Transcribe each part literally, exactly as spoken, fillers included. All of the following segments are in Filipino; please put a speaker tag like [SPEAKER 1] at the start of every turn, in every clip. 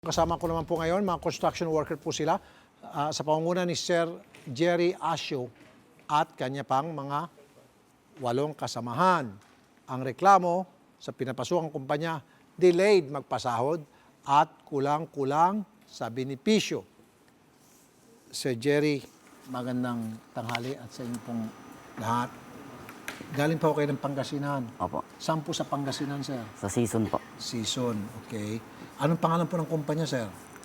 [SPEAKER 1] Kasama ko naman po ngayon, mga construction worker po sila uh, sa pangunguna ni Sir Jerry Asio at kanya pang mga walong kasamahan. Ang reklamo sa pinapasukang kumpanya, delayed magpasahod at kulang-kulang sa benepisyo. Sir Jerry, magandang tanghali at sa inyo pong lahat. Galing pa ako kayo ng Pangasinan.
[SPEAKER 2] Opo.
[SPEAKER 1] Saan po sa Pangasinan, sir?
[SPEAKER 2] Sa season po.
[SPEAKER 1] Season, okay. Anong pangalan po ng kumpanya, sir?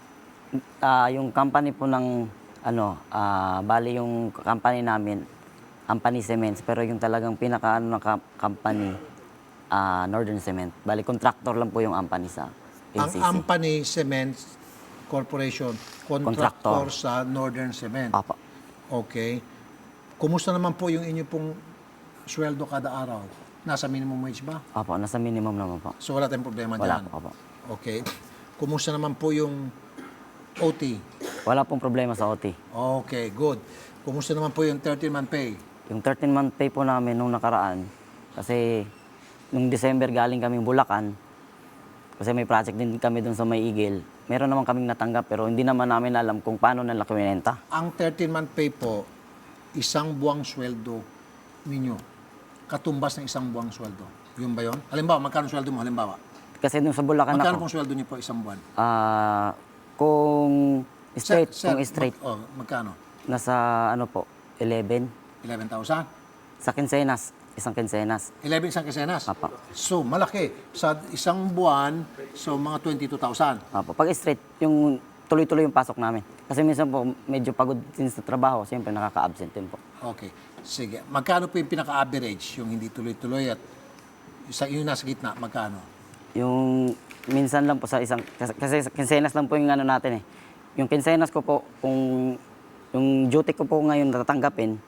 [SPEAKER 2] Ah, yung company po ng ano, ah, bali yung company namin, Ampani Cements, pero yung talagang pinaka ano ng ka- company, ah, Northern Cement. Bali contractor lang po yung Ampani sa
[SPEAKER 1] Ang
[SPEAKER 2] N C C.
[SPEAKER 1] Ampani Cements Corporation, contractor,
[SPEAKER 2] Contractor.
[SPEAKER 1] sa Northern Cement.
[SPEAKER 2] Opo.
[SPEAKER 1] Okay. Kumusta naman po yung inyo pong sweldo kada araw? Nasa minimum wage ba?
[SPEAKER 2] Opo, nasa minimum naman po.
[SPEAKER 1] So wala tayong problema
[SPEAKER 2] Wala
[SPEAKER 1] dyan?
[SPEAKER 2] po, opo.
[SPEAKER 1] Okay. Kumusta naman po yung O T?
[SPEAKER 2] Wala pong problema sa O T.
[SPEAKER 1] Okay, good. Kumusta naman po yung thirteen-month pay?
[SPEAKER 2] Yung thirteen-month pay po namin nung nakaraan, kasi nung December galing kaming Bulacan, kasi may project din kami dun sa May Igil. Meron naman kaming natanggap pero hindi naman namin alam kung paano nila kininenta.
[SPEAKER 1] Ang thirteen-month pay po, isang buwang sweldo ninyo. Katumbas ng isang buwang sweldo. Yun ba yun? Halimbawa, magkano sweldo mo? Halimbawa.
[SPEAKER 2] Kasi nung sa Bulacan
[SPEAKER 1] Magkano
[SPEAKER 2] ako,
[SPEAKER 1] pong sweldo niyo po isang buwan?
[SPEAKER 2] ah kung straight,
[SPEAKER 1] Sir,
[SPEAKER 2] kung straight,
[SPEAKER 1] Mag, oh, magkano?
[SPEAKER 2] nasa ano po, eleven.
[SPEAKER 1] eleven thousand?
[SPEAKER 2] Sa quincenas, isang quincenas.
[SPEAKER 1] eleven isang kesenas?
[SPEAKER 2] Apa.
[SPEAKER 1] So, malaki. Sa isang buwan, so mga twenty-two thousand.
[SPEAKER 2] Apo. Pag straight, yung tuloy-tuloy yung pasok namin. Kasi minsan po, medyo pagod din sa trabaho, siyempre nakaka-absent din po.
[SPEAKER 1] Okay. Sige. Magkano po yung pinaka-average? Yung hindi tuloy-tuloy at sa yung nasa gitna, magkano?
[SPEAKER 2] Yung minsan lang po sa isang, kasi, kasi sa quincenas lang po yung ano natin eh. Yung quincenas ko po, kung yung duty ko po ngayon natatanggapin,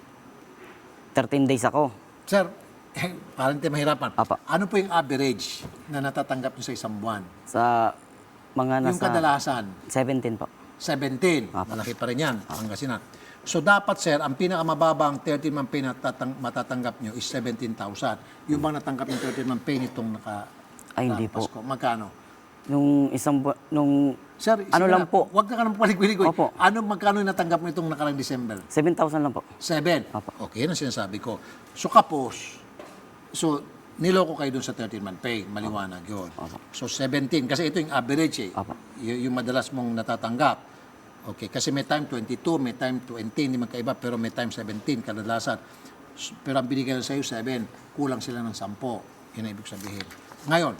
[SPEAKER 2] thirteen days ako.
[SPEAKER 1] Sir, eh, parang tayo mahirapan.
[SPEAKER 2] Apa.
[SPEAKER 1] Ano po yung average na natatanggap nyo sa isang buwan?
[SPEAKER 2] Sa mga
[SPEAKER 1] Yung
[SPEAKER 2] nasa
[SPEAKER 1] kadalasan?
[SPEAKER 2] seventeen po.
[SPEAKER 1] seventeen.
[SPEAKER 2] Apa.
[SPEAKER 1] Malaki pa rin yan. Pangasinan. So dapat, sir, ang pinakamababang thirteen-month pay na tatang, matatanggap nyo is seventeen thousand. Yung bang natanggap yung thirteen-month pay nitong naka...
[SPEAKER 2] Ay, hindi po.
[SPEAKER 1] Pasko? Magkano?
[SPEAKER 2] Nung isang bu- nung
[SPEAKER 1] Sir,
[SPEAKER 2] ano
[SPEAKER 1] sige
[SPEAKER 2] lang
[SPEAKER 1] na,
[SPEAKER 2] po,
[SPEAKER 1] Huwag ka ka nang palig-wilig.
[SPEAKER 2] Opo.
[SPEAKER 1] Ano, magkano yung natanggap mo itong nakarang December?
[SPEAKER 2] seven thousand lang po.
[SPEAKER 1] Seven.
[SPEAKER 2] Opo.
[SPEAKER 1] Okay, yan ang sinasabi ko. So kapos, so niloko kayo dun sa thirteen-month pay. Maliwanag yun.
[SPEAKER 2] Opo.
[SPEAKER 1] So seventeen, kasi ito yung average eh.
[SPEAKER 2] Opo.
[SPEAKER 1] Y- yung madalas mong natatanggap. Okay, kasi may time twenty-two, may time twenty, hindi magkaiba, pero may time seventeen, kadalasan. S- Pero ang binigay sa iyo, seven. Kulang sila ng ten. Yun ang ibig sabihin. Ngayon,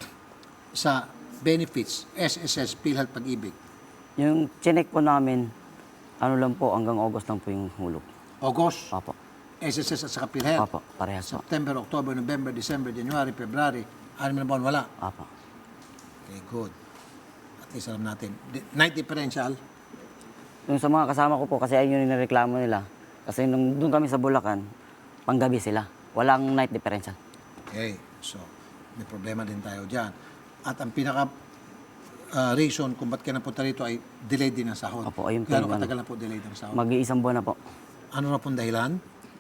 [SPEAKER 1] sa benefits, S S S, PhilHealth, Pag-ibig,
[SPEAKER 2] Yung chinek po namin, ano lang po, hanggang August lang po yung hulog.
[SPEAKER 1] August,
[SPEAKER 2] Opo.
[SPEAKER 1] S S S at saka PhilHealth,
[SPEAKER 2] Opo, parehas po.
[SPEAKER 1] September, October, November, December, January, February, anim na buwan, wala.
[SPEAKER 2] Opo.
[SPEAKER 1] Okay, good. At least alam natin. Di- Night differential,
[SPEAKER 2] Yung sa mga kasama ko po, kasi ayun yung nireklamo nila. Kasi nung doon kami sa Bulacan, panggabi sila. Walang night differential.
[SPEAKER 1] okay. So, may problema din tayo dyan. At ang pinaka ah, reason kung ba't ka napunta rito ay delayed din ang sahod.
[SPEAKER 2] Opo, ayun po
[SPEAKER 1] Gano'ng
[SPEAKER 2] yung ano.
[SPEAKER 1] katagal na po delayed ang sahod?
[SPEAKER 2] Mag-iisang buwan na po.
[SPEAKER 1] ano na pong dahilan?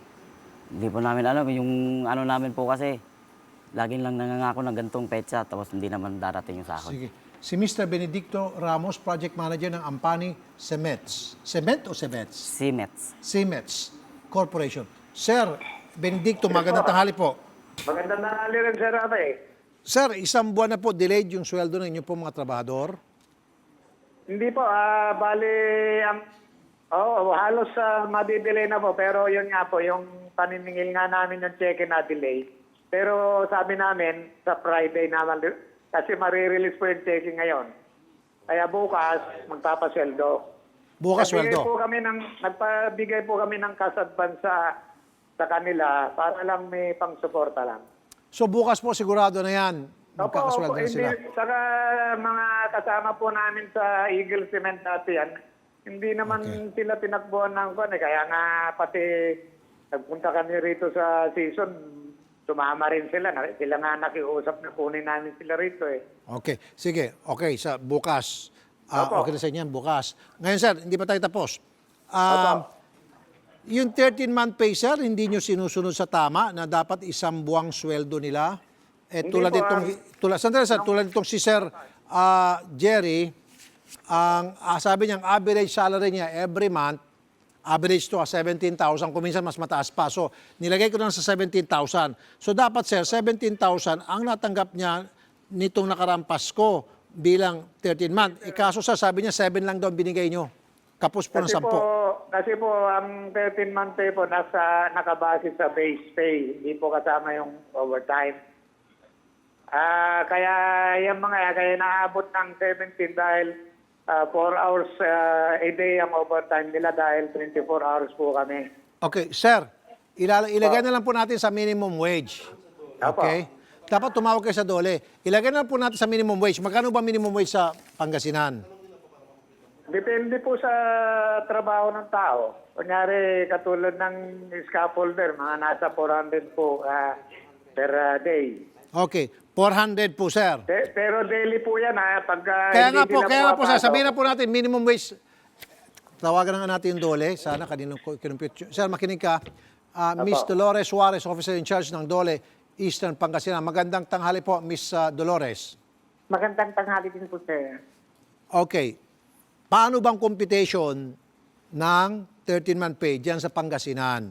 [SPEAKER 2] Hindi po namin alam. Yung ano namin po kasi, laging lang nangangako ng gantong petsa, tapos hindi naman darating yung sahod.
[SPEAKER 1] Sige. Si Mister Benedicto Ramos, Project Manager ng Ampani Cements. Cement o Cements?
[SPEAKER 2] Cements.
[SPEAKER 1] Cements Corporation. Sir, Benedicto, magandang tanghali po.
[SPEAKER 3] Magandang tanghali rin, Sir Ate.
[SPEAKER 1] Sir, isang buwan na po delayed yung sweldo ng inyo po mga trabahador.
[SPEAKER 3] Hindi po, ah bali, ang, oh, halos uh, madidelay na po. Pero yun nga po, yung paniningil nga namin yung check na delay. Pero sabi namin, sa Friday naman, kasi marirelease po yung checking ngayon. Kaya bukas, magpapasweldo.
[SPEAKER 1] Bukas
[SPEAKER 3] Nagbigay
[SPEAKER 1] sweldo.
[SPEAKER 3] po kami ng, nagpabigay po kami ng cash advance sa, sa kanila para lang may pang-suporta lang.
[SPEAKER 1] So bukas po sigurado na yan.
[SPEAKER 3] Opo,
[SPEAKER 1] Magkakasweldo
[SPEAKER 3] opo,
[SPEAKER 1] na
[SPEAKER 3] hindi,
[SPEAKER 1] sila.
[SPEAKER 3] saka mga kasama po namin sa Eagle Cement dati yan, hindi naman
[SPEAKER 1] Okay.
[SPEAKER 3] sila tinakbuhan ng kwan eh. Kaya nga pati nagpunta kami rito sa season, sumama rin sila. Na- Sila nga nakiusap na kunin namin sila rito eh.
[SPEAKER 1] Okay. Sige. Okay. Sa bukas. Ah,
[SPEAKER 3] Opo.
[SPEAKER 1] okay na sa inyo yan, bukas. Ngayon, sir, hindi pa tayo tapos. Um, yung thirteen-month pay, sir, hindi nyo sinusunod sa tama na dapat isang buwang sweldo nila? Eh,
[SPEAKER 3] Hindi
[SPEAKER 1] tulad
[SPEAKER 3] po,
[SPEAKER 1] itong,
[SPEAKER 3] ah.
[SPEAKER 1] tulad, sandali, sir, tulad itong si Sir ah, Jerry, ang ah, sabi niya, ang average salary niya every month, average to ah, seventeen thousand, kung minsan mas mataas pa. So, nilagay ko lang sa seventeen thousand. So, dapat sir, seventeen thousand ang natanggap niya nitong nakaraang Pasko bilang thirteen month. Ikaso sir, sabi niya seven lang daw ang binigay niyo. Kapos po ng
[SPEAKER 3] Kasi po,
[SPEAKER 1] sampo.
[SPEAKER 3] kasi po, ang thirteen month pay po nasa, nakabase sa base pay. Hindi po kasama yung overtime. Ah, kaya yung mga, kaya naabot ng seventeen dahil uh, four hours ah, a day ang overtime nila dahil twenty-four hours po kami.
[SPEAKER 1] Okay, sir, ilala- ilagay na lang po natin sa minimum wage.
[SPEAKER 3] Opo.
[SPEAKER 1] Okay? Dapat tumawag kayo sa dole. Ilagay na lang po natin sa minimum wage. Magkano ba minimum wage sa Pangasinan?
[SPEAKER 3] Depende po sa trabaho ng tao. Kunyari, katulad ng scaffolder, mga nasa four hundred po ah, per ah, day.
[SPEAKER 1] Okay, four hundred po, sir.
[SPEAKER 3] Pe- pero daily po yan ha. Pag, ah,
[SPEAKER 1] Kaya
[SPEAKER 3] hindi
[SPEAKER 1] nga po,
[SPEAKER 3] nila
[SPEAKER 1] kaya nga po, sir,
[SPEAKER 3] mapasok.
[SPEAKER 1] sabihin na po natin, minimum wage. Tawagan na nga natin yung dole. Sana kanino ko kinumpute. Sir, makinig ka. Ah, Miss
[SPEAKER 3] Apo.
[SPEAKER 1] Dolores Suarez, officer in charge ng Dole, Eastern Pangasinan. Magandang tanghali po, Miss ah, Dolores.
[SPEAKER 4] Magandang tanghali din po, sir.
[SPEAKER 1] Okay. Paano bang computation ng thirteen month pay diyan sa Pangasinan?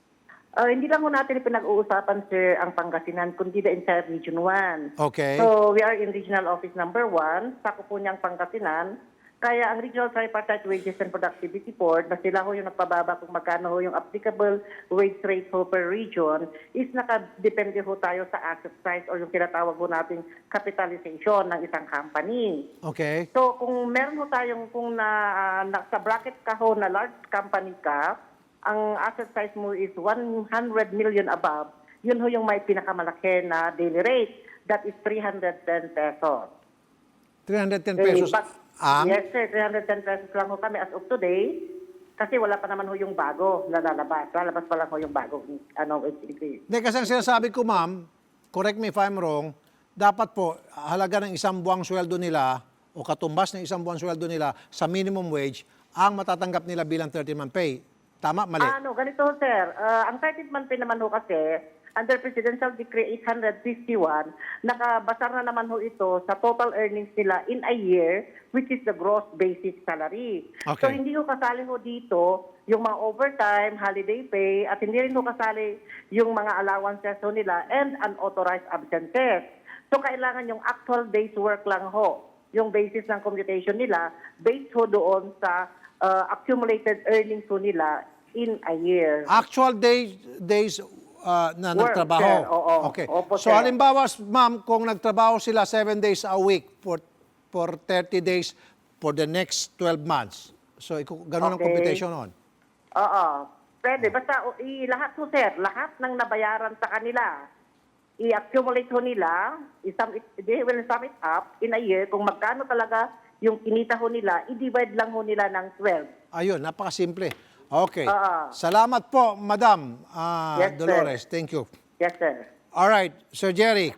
[SPEAKER 4] Uh, hindi lang po natin pinag-uusapan, sir, ang Pangasinan, kundi the entire Region one.
[SPEAKER 1] Okay.
[SPEAKER 4] So, we are in Regional Office number one, sako po niyang Pangasinan. Kaya ang Regional Tripartite Wages and Productivity Board, na sila ho yung nagpababa kung magkano ho yung applicable wage rate ho per region, is nakadepende ho tayo sa asset size or yung tinatawag ho nating capitalization ng isang company.
[SPEAKER 1] Okay.
[SPEAKER 4] So, kung meron ho tayong, kung na, ah, na sa bracket ka ho na large company ka, ang asset size mo is one hundred million above, yun ho yung may pinakamalaki na daily rate. That is three hundred ten pesos.
[SPEAKER 1] three hundred ten
[SPEAKER 4] Eh,
[SPEAKER 1] pesos
[SPEAKER 4] but-
[SPEAKER 1] ang...
[SPEAKER 4] Yes, sir. three hundred ten pesos lang ho kami as of today. Kasi wala pa naman ho yung bago na lalabas. Lalabas pa lang ho yung bago ano, wage increase.
[SPEAKER 1] Hindi, kasi ang sinasabi ko, ma'am, correct me if I'm wrong, dapat po, halaga ng isang buwang sweldo nila o katumbas ng isang buwang sweldo nila sa minimum wage ang matatanggap nila bilang thirteen month pay. Tama? Mali?
[SPEAKER 4] Ano, ganito ho, sir. Ah, ang thirteenth month pay naman ho kasi, under Presidential Decree eight fifty-one, nakabasar na naman ho ito sa total earnings nila in a year, which is the gross basic salary.
[SPEAKER 1] Okay.
[SPEAKER 4] So hindi ho kasali ho dito yung mga overtime, holiday pay, at hindi rin ho kasali yung mga allowances ho nila and unauthorized absences. So kailangan yung actual day's work lang ho, yung basis ng computation nila, based ho doon sa uh, accumulated earnings ho nila in a year.
[SPEAKER 1] Actual days, days uh, na
[SPEAKER 4] Work,
[SPEAKER 1] nagtrabaho.
[SPEAKER 4] sir. Oo.
[SPEAKER 1] Okay.
[SPEAKER 4] Opo,
[SPEAKER 1] So
[SPEAKER 4] sir.
[SPEAKER 1] halimbawa, ma'am, kung nagtrabaho sila seven days a week for for thirty days for the next twelve months. So iku- ganun ang
[SPEAKER 4] Okay.
[SPEAKER 1] computation on.
[SPEAKER 4] Oo. Pwede. Basta o, i, lahat ho, sir, lahat ng nabayaran sa kanila, i-accumulate ho nila, i-sum it, they will sum it up in a year kung magkano talaga yung kinita ho nila, i-divide lang ho nila ng twelve.
[SPEAKER 1] Ayun, napakasimple. Okay.
[SPEAKER 4] Oo.
[SPEAKER 1] Salamat po, Madam ah,
[SPEAKER 4] Yes, sir.
[SPEAKER 1] Dolores. Thank you.
[SPEAKER 4] Yes, sir.
[SPEAKER 1] All right, Sir Jerry.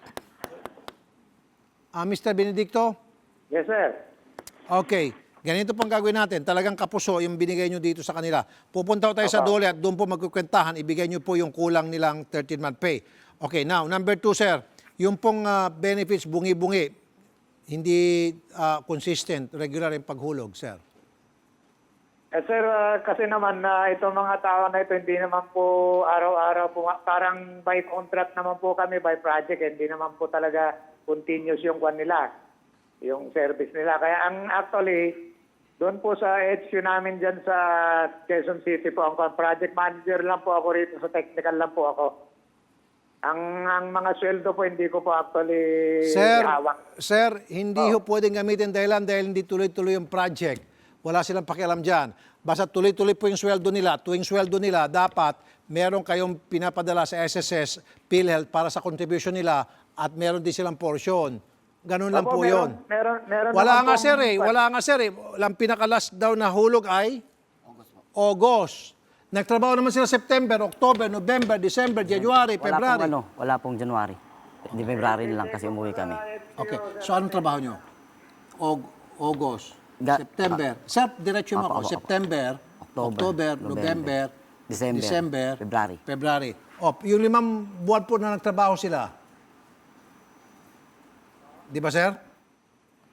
[SPEAKER 1] Ah, Mister Benedicto?
[SPEAKER 3] Yes, sir.
[SPEAKER 1] Okay. Ganito pong gagawin natin. Talagang kapuso yung binigay nyo dito sa kanila. Pupunta ko tayo sa
[SPEAKER 3] Opo.
[SPEAKER 1] dole at doon po magkukwentahan. Ibigay nyo po yung kulang nilang thirteen month pay. Okay, now, number two, sir. Yung pong ah, benefits bungi-bungi, hindi ah, consistent, regular yung paghulog, sir.
[SPEAKER 3] Eh, sir, ah, kasi naman na itong mga tao na ito, hindi naman po araw-araw po, parang by contract naman po kami, by project, hindi naman po talaga continuous yung kwan nila, yung service nila. Kaya ang actually, doon po sa H Q namin dyan sa Quezon City po, ang kwan, project manager lang po ako rito, sa technical lang po ako. Ang ang mga sweldo po, hindi ko po actually
[SPEAKER 1] Sir,
[SPEAKER 3] hawak.
[SPEAKER 1] sir, hindi
[SPEAKER 3] Oh.
[SPEAKER 1] ho pwedeng gamitin dahilan dahil hindi tuloy-tuloy yung project. Wala silang pakialam dyan. Basta tuloy-tuloy po yung sweldo nila. Tuwing sweldo nila, dapat meron kayong pinapadala sa S S S, PhilHealth para sa contribution nila at meron din silang portion. Ganun lang
[SPEAKER 3] Opo,
[SPEAKER 1] po yun.
[SPEAKER 3] meron, meron, meron
[SPEAKER 1] Wala
[SPEAKER 3] naman
[SPEAKER 1] nga
[SPEAKER 3] pong-
[SPEAKER 1] sir eh. Wala nga sir eh. Walang pinakalas daw na hulog ay August. Nagtrabaho naman sila September, October, November, December, January,
[SPEAKER 2] Wala
[SPEAKER 1] February.
[SPEAKER 2] pong ano, wala pong January. Di February na lang kasi umuwi kami.
[SPEAKER 1] Okay. So anong trabaho nyo? Og- August,
[SPEAKER 2] Ga-
[SPEAKER 1] September. Sir, diretso mo
[SPEAKER 2] Apo,
[SPEAKER 1] ako.
[SPEAKER 2] apo, apo.
[SPEAKER 1] September,
[SPEAKER 2] October,
[SPEAKER 1] October, November,
[SPEAKER 2] November, December, February.
[SPEAKER 1] February. O, yung limang buwan po na nagtrabaho sila. Di ba, sir?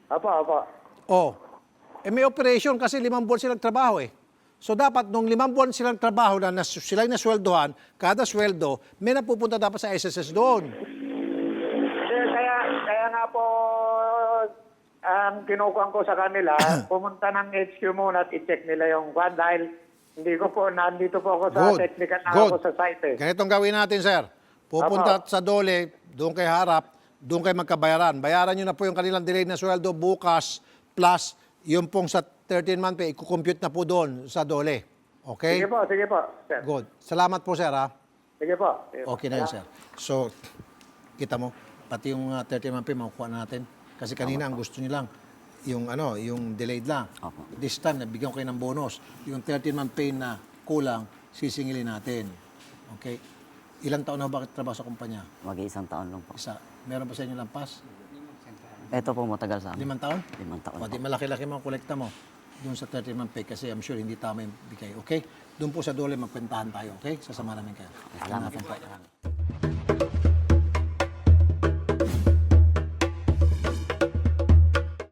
[SPEAKER 3] Opo, opo.
[SPEAKER 1] Oh, eh may operation kasi limang buwan silang trabaho eh. So dapat nung limang buwan silang trabaho na nas, sila yung nasweldohan, kada sweldo, may napupunta dapat sa S S S doon.
[SPEAKER 3] Eh, kaya, kaya nga po, ang kinukuhan ko sa kanila, pumunta ng H Q muna at i-check nila yung kwan dahil hindi ko po, nandito po ako sa
[SPEAKER 1] Good.
[SPEAKER 3] technical na
[SPEAKER 1] Good.
[SPEAKER 3] ako sa site eh.
[SPEAKER 1] Ganitong gawin natin, sir. Pupunta sa Dole, doon kay harap, doon kay magkabayaran. Bayaran nyo na po yung kanilang delayed na sweldo bukas plus yung pong sa thirteen month pay, i-compute na po doon sa Dole. Okay?
[SPEAKER 3] Sige po, sige po, sir.
[SPEAKER 1] Good. Salamat po, sir, ha?
[SPEAKER 3] Sige po. Sige po.
[SPEAKER 1] Okay na yun, sir. So, kita mo, pati yung uh, thirteen month pay, makukuha na natin. Kasi kanina, ang gusto nyo lang, yung ano, yung delayed lang.
[SPEAKER 2] Opo.
[SPEAKER 1] This time, nabigyan ko kayo ng bonus. Yung thirteen month pay na kulang, sisingilin natin. Okay? Ilang taon na ba trabaho sa kumpanya?
[SPEAKER 2] Mag-iisang taon lang po.
[SPEAKER 1] Isa. Meron pa sa inyo lampas?
[SPEAKER 2] Ito po matagal sa amin.
[SPEAKER 1] Limang taon?
[SPEAKER 2] Limang taon
[SPEAKER 1] O, di
[SPEAKER 2] po.
[SPEAKER 1] malaki-laki mga kolekta mo doon sa thirteen month pay kasi I'm sure hindi tama yung bigay. Okay? Doon po sa Dole, magkwentahan tayo. Okay? Sasama namin kayo.
[SPEAKER 2] Salamat
[SPEAKER 1] Hanapin
[SPEAKER 2] po.
[SPEAKER 1] po.